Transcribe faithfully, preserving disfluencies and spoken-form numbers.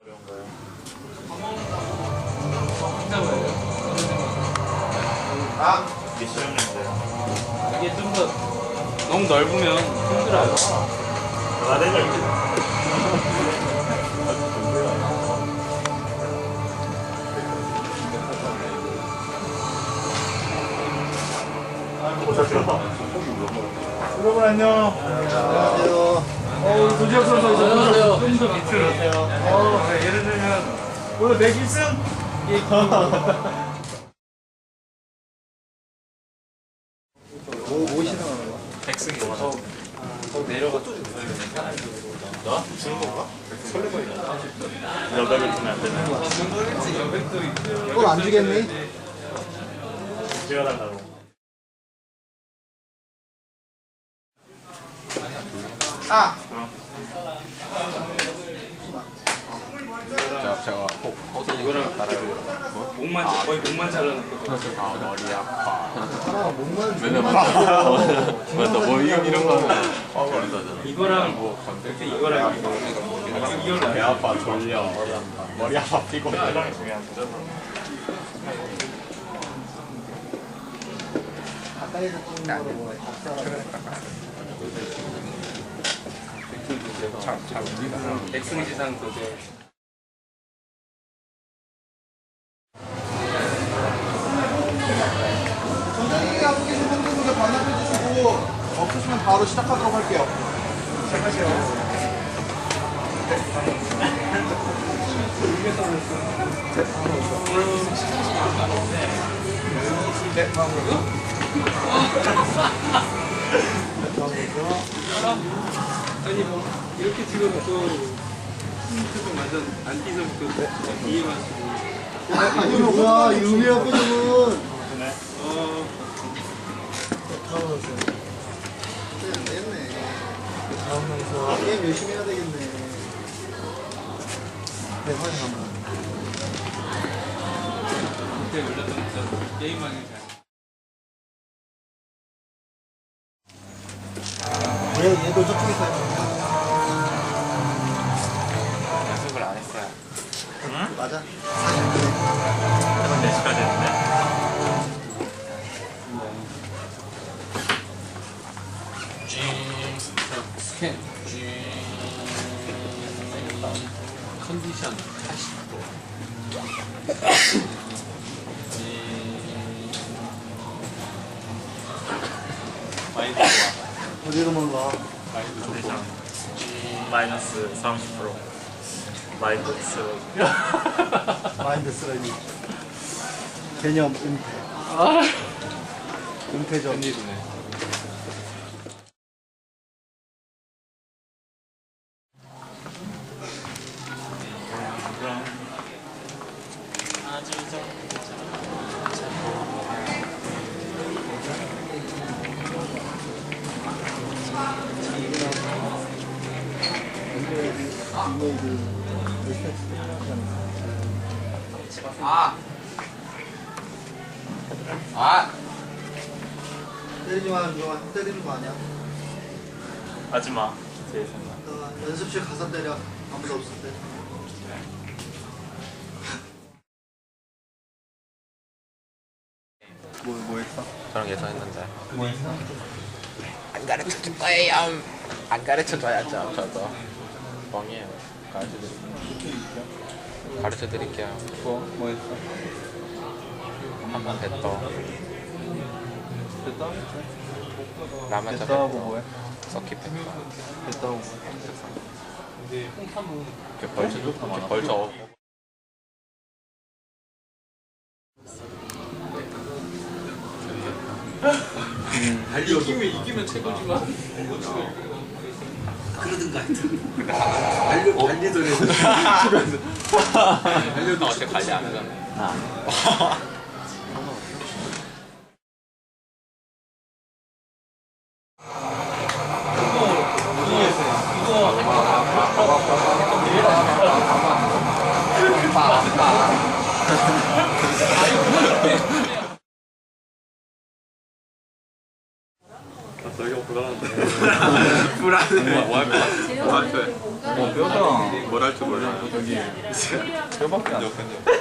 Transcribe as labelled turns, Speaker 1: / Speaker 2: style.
Speaker 1: 아! 미션인데
Speaker 2: 이게 좀 더 너무 넓으면 힘들어요.
Speaker 1: 아, 내가 이렇게 여러분 안녕.
Speaker 3: 안녕하세요.
Speaker 1: 어, 도지혁 선수
Speaker 2: 안녕하세요.
Speaker 1: 좀 더 밑으로. 어, 네, 예를 들면 오늘 내 기승? 예.
Speaker 3: 뭐, 뭐 신청하는 거야?
Speaker 1: 백승이 어,
Speaker 2: 내려가.
Speaker 1: 나? 주는 건가? 설레발이다. 여백을 주면 안 되나요?
Speaker 3: 그건 안 주겠니?
Speaker 1: 제가 달라고.
Speaker 3: 아!
Speaker 4: 자, 제가
Speaker 2: 이거랑 목만 거의 목만 잘라놓고.
Speaker 4: 아 머리 아파.
Speaker 3: 아, 목만
Speaker 4: 맨날 맞아. 맞아. 뭐 이런 이런 거 하면 화가 난다잖아.
Speaker 2: 이거랑 뭐 건데 이거랑 이거 이거랑
Speaker 1: 배 아파, 졸려, 머리 아파. 머리 아파, 피곤해. 이런 게 중요한데.
Speaker 3: 가까이서 찍는 거로 뭐야?
Speaker 4: 잘 움직이는.
Speaker 2: 백승지상 도저.
Speaker 3: 전장님이 하고 계신 분들에게 반납해 주시고 없으시면 바로 시작하도록 할게요.
Speaker 1: 시작하세요.
Speaker 3: 네, 다음으로.
Speaker 2: 아니 뭐 이렇게 찍어놓고 표정 완전 안 띄서부터 이해만 쓰고.
Speaker 3: 아니, 뭐야, 이 의미야, 표정은.
Speaker 2: 어.
Speaker 3: 안 되겠네. 다음에서 게임 열심히 해야 되겠네. 네, 확인합니다.
Speaker 2: 그때 올렸던 저 게임하기 잘.
Speaker 3: 얘, 얘도 저쪽에 있어요.
Speaker 4: 연습을 안 했어요.
Speaker 1: 응?
Speaker 3: 맞아.
Speaker 1: 이건 네 시까지 했는데.
Speaker 4: 스캔. 컨디션 팔십 도. 마인드 좋아.
Speaker 3: 어디로 몰라.
Speaker 4: 마인드 좋고.
Speaker 1: 컨디션 마이너스 삼십 퍼센트. 마이크 쓰레기.
Speaker 3: 마인드 쓰레기. 개념 은퇴. 은퇴 전.
Speaker 4: 웬일이네. 아! 아!
Speaker 3: 때리지 마, 누가 때리는 거 아니야?
Speaker 1: 하지마. 제 생각.
Speaker 3: 너 연습실 가서 때려. 아무도 없을 때. 뭐, 뭐 했어?
Speaker 4: 저랑 예상했는데.
Speaker 3: 뭐 했어?
Speaker 4: 안 가르쳐 줄 거예요. 안 가르쳐 줘야죠. 저도 뻥이에요. 가르쳐 드릴게요. 가르쳐 드릴게요.
Speaker 3: 뭐, 뭐 했어?
Speaker 4: 한번 뱉어.
Speaker 3: 됐다?
Speaker 4: 라마자
Speaker 3: 됐다 하고
Speaker 4: 뱉어.
Speaker 3: 뭐해?
Speaker 4: 서킷 뱉어.
Speaker 3: 됐다 하고 뭐해?
Speaker 4: 이렇게 벌쳐 이렇게 벌쳐.
Speaker 2: 이기면 이기면 최고지만. 그러든가 하여튼. 달려 달리더래.
Speaker 4: 달려도 어차피 관리 안 하잖아. 저기가 불안한데. 불안해. 뭐할 것 같아? 뭐할 거야?
Speaker 1: 어 뼈다.
Speaker 4: 뭘 할 줄 몰라.
Speaker 1: 저기 뼈밖에 안 돼.